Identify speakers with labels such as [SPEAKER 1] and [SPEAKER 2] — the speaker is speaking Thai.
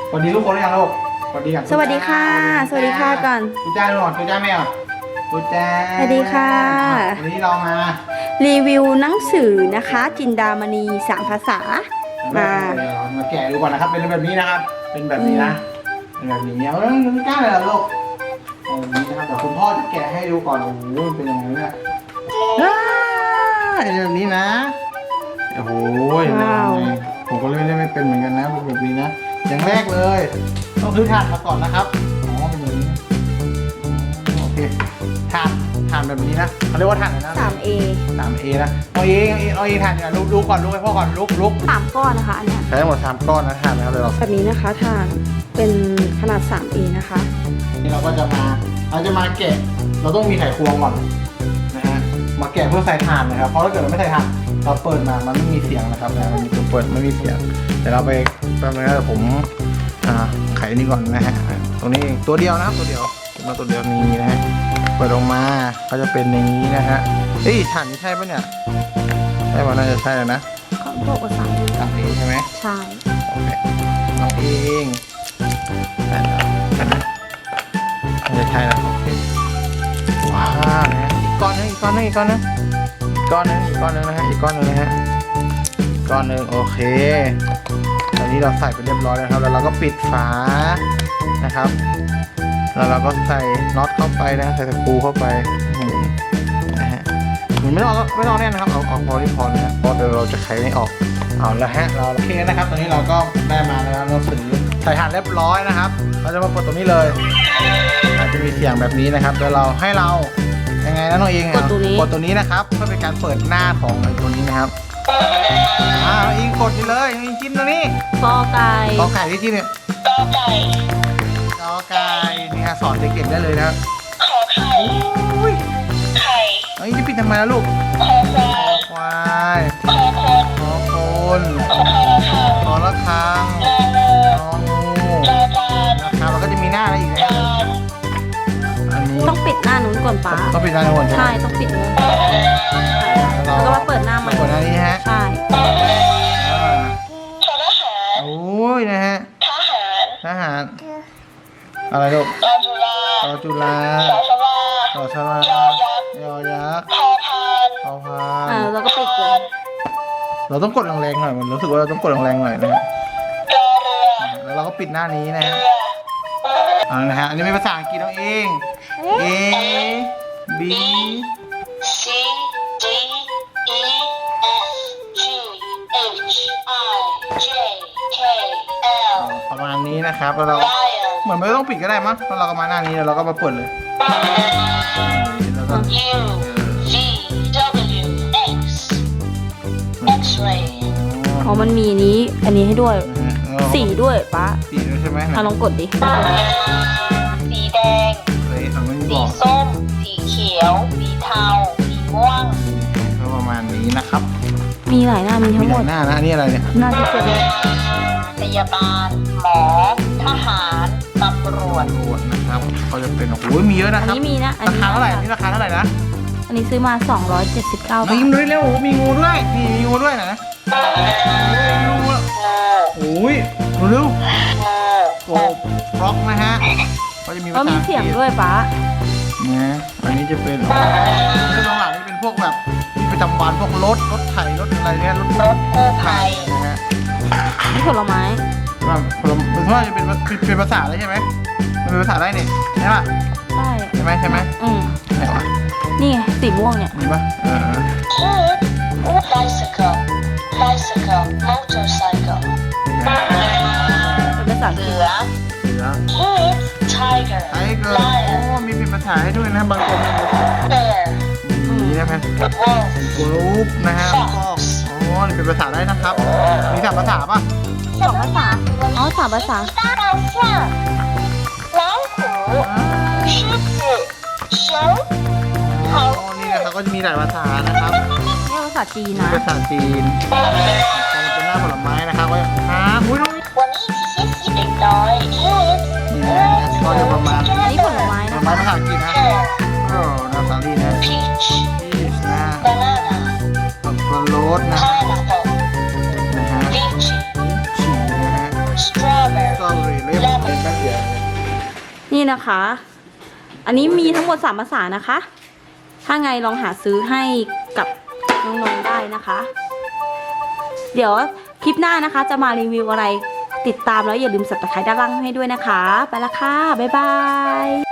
[SPEAKER 1] สวัสดีทุกคนหรือยังลูกสวัสดีกัน
[SPEAKER 2] สวัสดีค่ะสวัสดีค่ะก่อน
[SPEAKER 1] ทุจ้าก่อนทุจ้าแม่อ่ะทุจ้า
[SPEAKER 2] สวัสดีค่ะ
[SPEAKER 1] วันนี้เรามา
[SPEAKER 2] รีวิวหนังสือนะคะจินดามณี3 ภาษามา
[SPEAKER 1] มาแกะดูก่อนนะครับเป็นแบบนี้นะครับ เป็นแบบนี้นะเป็นแบบนี้เอาแล้วทุจ้าเลยเหรอลูกเอาแบบนี้นะครับเดี๋ยวคุณพ่อจะแกะให้ดูก่อนโอ้โหมันเป็นยังไงเนี่ยเป็นแบบนี้นะโอ้โหผมก็เล่นไม่เป็นเหมือนกันนะเป็นแบบนี้นะอย่างแรกเลยต้องซื้อถ่านมาก่อนนะครับอ๋อเป็นอย่างนี้โอเคถ่านแบบนี้นะเขาเรียกว่าถ่านอะไรนะ
[SPEAKER 2] 3A
[SPEAKER 1] 3A นะเอาเองถ่านเนี่ยลุกก่อนลุกให้พ่อก่อนลุก
[SPEAKER 2] 3 ก้อนนะคะอันเนี้ย
[SPEAKER 1] ใช้ทั้งหมด3ก้อนนะถ่านนะครับเดี๋ยวเรา
[SPEAKER 2] แบบนี้นะคะทางเป็นขนาด 3A นะคะ
[SPEAKER 1] นี่เราก็จะมาแกะเราต้องมีไขควงก่อนนะฮะมาแกะเพื่อใส่ถ่านนะครับเพราะถ้าเกิดเราไม่ใส่ถ่านเราเปิดมามันไม่มีเสียงนะครับนะมันมีตัวเปิดไม่มีเสียงเดี๋ยวเราไปแป๊บนึงนะผมไขนี่ก่อนนะฮะตรงนี้ตัวเดียวนะครับตัวเดียวนี้นะฮะเปิดออกมาก็จะเป็นอย่างนี้นะฮะเฮ้ยถ่านนี่ใช่ปะเนี่ยใช่ป่ะน่าจะใช่แล้วนะ
[SPEAKER 2] เขาบอกว่า3A
[SPEAKER 1] 3A ใช่ไหม
[SPEAKER 2] ใช่
[SPEAKER 1] โอเคน้องเองแต่แล้วน่าจะใช่แล้วโอเคว้าวนะฮะอีกก้อนนึงนะฮะอีกก้อนนึงนะฮะอีกก้อนนึงโอเคตอนนี้เราใส่ไปเรียบร้อยแล้วครับแล้วเราก็ปิดฝานะครับแล้วเราก็ใส่น็อตเข้าไปนะใส่ตะปูเข้าไปนะฮะมันไม่ต้องแน่นนะครับเอาพอที่พอนะฮะเพราะเดี๋ยวเราจะไขไม่ออกเอาละฮะเราโอเคนะครับตอนนี้เราก็ได้มาแล้วเราสื่อใส่ถ่านเรียบร้อยนะครับเราจะมาเปิดตรงนี้เลยอาจจะมีเสียงแบบนี้นะครับแล้วเรายังไงนะน้องเองกดตัวนี้นะครับเพื่อเป็นการเปิดหน้าของไอ้ตัวนี้นะครับอิงกดไปเลยอิงจิ้มตรงนี้
[SPEAKER 2] กอไก่
[SPEAKER 1] กอไก่ที่จิ้มเนี่ยกอไก่เนี่ยสอนเด็กๆได้เลยนะขอไข่ไข่เฮ้ยจะปิดทำไมล่ะลูกขอควายขอคนขอละครังของูนะครับแล้วก็จะมีหน้าอะไรอีกนะอันนี้
[SPEAKER 2] ต้องปิดหน้านู้นก่อนป้า
[SPEAKER 1] ต้องปิดหน้าในหัว
[SPEAKER 2] ใช่ต้องปิดนู้นแล้วก็มาเปิดหน้าใหม่
[SPEAKER 1] เปิดหน้านี้ฮะ
[SPEAKER 2] ใช่
[SPEAKER 1] โอ้ยนะฮะทหารอะไรลูกรอจุฬาสอชลายอยักษ์พอพาน
[SPEAKER 2] แล้วก็ปิดเลย
[SPEAKER 1] เราต้องกดแรงๆหน่อยมันรู้สึกว่าเราต้องกดแรงๆหน่อยนะฮะแล้วเราก็ปิดหน้านี้นะฮะนะฮะอันนี้เป็นภาษาอังกฤษเอาเอง A B
[SPEAKER 3] C D E F G H I J K L
[SPEAKER 1] ประมาณนี้นะครับแล้วเรา
[SPEAKER 3] Lion
[SPEAKER 1] เหมือนไม่ต้องปิดก็ได้มั้งแล้วเราก็มาหน้านี้แล้วเราก็มาเปิดเลยแล้วก็
[SPEAKER 3] U V W X X-ray
[SPEAKER 2] อ๋อมันมีอันนี้ให้ด้วยสีด้วยป้า
[SPEAKER 1] สีด้วยใช่ไหม
[SPEAKER 2] ลองกดดิ
[SPEAKER 3] สีแดง
[SPEAKER 1] เลยไม่
[SPEAKER 3] สี
[SPEAKER 1] บอก
[SPEAKER 3] ส้ม สีเขียว สีเทา สีม่วง
[SPEAKER 1] ก็ประมาณนี้นะครับ
[SPEAKER 2] มีหลายหน้ามี
[SPEAKER 1] มี
[SPEAKER 2] ทั้ง
[SPEAKER 1] ห
[SPEAKER 2] หม
[SPEAKER 1] ลา
[SPEAKER 2] ด
[SPEAKER 1] ยหน้านะอันนี้อะไรเนี่ย
[SPEAKER 2] หน้าที่เกิดเลย
[SPEAKER 3] พยาบาล หมอ ทหาร ตำรวจ
[SPEAKER 1] ตำรวจนะครับเขาจะเป็นโอ้โหมีเยอะนะ
[SPEAKER 2] อัน
[SPEAKER 1] ครับ
[SPEAKER 2] นี้มีนะ
[SPEAKER 1] ราคาเท่าไหร่อันนี้ราคาเท่าไหร่นะ
[SPEAKER 2] อันนี้ซื้อมา279 บาท
[SPEAKER 1] ยิ้มด้วยเร็วมีงูด้วยนี่มีงูด้วยนะงูโอ้ยเร็วโกบฟล็อกนะฮะก็จะมี
[SPEAKER 2] ก็มีเสียงด้วยป้า
[SPEAKER 1] นะอันนี้จะเป็นเรื่องหลังนี่เป็นพวกแบบประจำวันพวกรถไถรถอะไรเนี่ยรถ
[SPEAKER 3] รถกู้ภัย
[SPEAKER 1] นะฮะ
[SPEAKER 2] นี่ผลไม้
[SPEAKER 1] ผมว่าจะเป็นภาษาอะไรใช่ไหมมันเป็นภาษาได้เนี่ยใช่ป่ะ
[SPEAKER 2] ใช่
[SPEAKER 1] ใช่ไหมไหนวะ
[SPEAKER 2] นี่ไงสีม่วงเนี่ย
[SPEAKER 1] มีป่ะ
[SPEAKER 3] Bicycle, bicycle, motorcycle.
[SPEAKER 2] เป็นภาษาอังกฤษ
[SPEAKER 3] เสือ tiger,
[SPEAKER 1] ไอ้เกิร์โอ้มีเป็นภาษาให้ด้วยนะบางคน
[SPEAKER 3] bear,
[SPEAKER 1] นี่นะฮะ
[SPEAKER 3] wolf,
[SPEAKER 1] กรุ๊ปนะฮะอ๋อนี่เป็นภาษาได้นะครับมี3ภาษาป่ะ
[SPEAKER 2] 2 ภาษาอ๋อ3 ภาษา
[SPEAKER 3] 大象、老虎、狮子、熊。
[SPEAKER 1] อ๋อนี่นะครับก็จะมีหลายภาษานะครับ
[SPEAKER 2] นี่ภาษาจีนนะ
[SPEAKER 1] ภาษาจีนมันเป็นหน้าผลไม้นะครับก็อุ้ยน้อง
[SPEAKER 3] 我们一起学习这个 kids
[SPEAKER 1] นี่นะก็จะประมาณ
[SPEAKER 2] อันนี้ผลไม้
[SPEAKER 1] ผล
[SPEAKER 2] นะ
[SPEAKER 1] ไม้
[SPEAKER 2] คะ
[SPEAKER 1] ภาษาอังกฤษนะ
[SPEAKER 3] pear
[SPEAKER 1] โอ้นาซาลีนะ
[SPEAKER 3] peach
[SPEAKER 1] พีชนะ
[SPEAKER 3] banana
[SPEAKER 1] สับปะรดนะ
[SPEAKER 3] pineapple
[SPEAKER 1] นะฮะ
[SPEAKER 3] lychee
[SPEAKER 1] ฉีนะฮะ
[SPEAKER 3] strawberry
[SPEAKER 1] สตรอเบอรี่
[SPEAKER 2] นี่นะคะ อันนี้มีทั้งหมด3ภาษานะคะ ถ้าไงลองหาซื้อให้กับน้องๆได้นะคะ เดี๋ยวคลิปหน้านะคะจะมารีวิวอะไรติดตามแล้วอย่าลืมสับตะไคร้ด้านล่างให้ด้วยนะคะ ไปละค่ะ บ๊ายบาย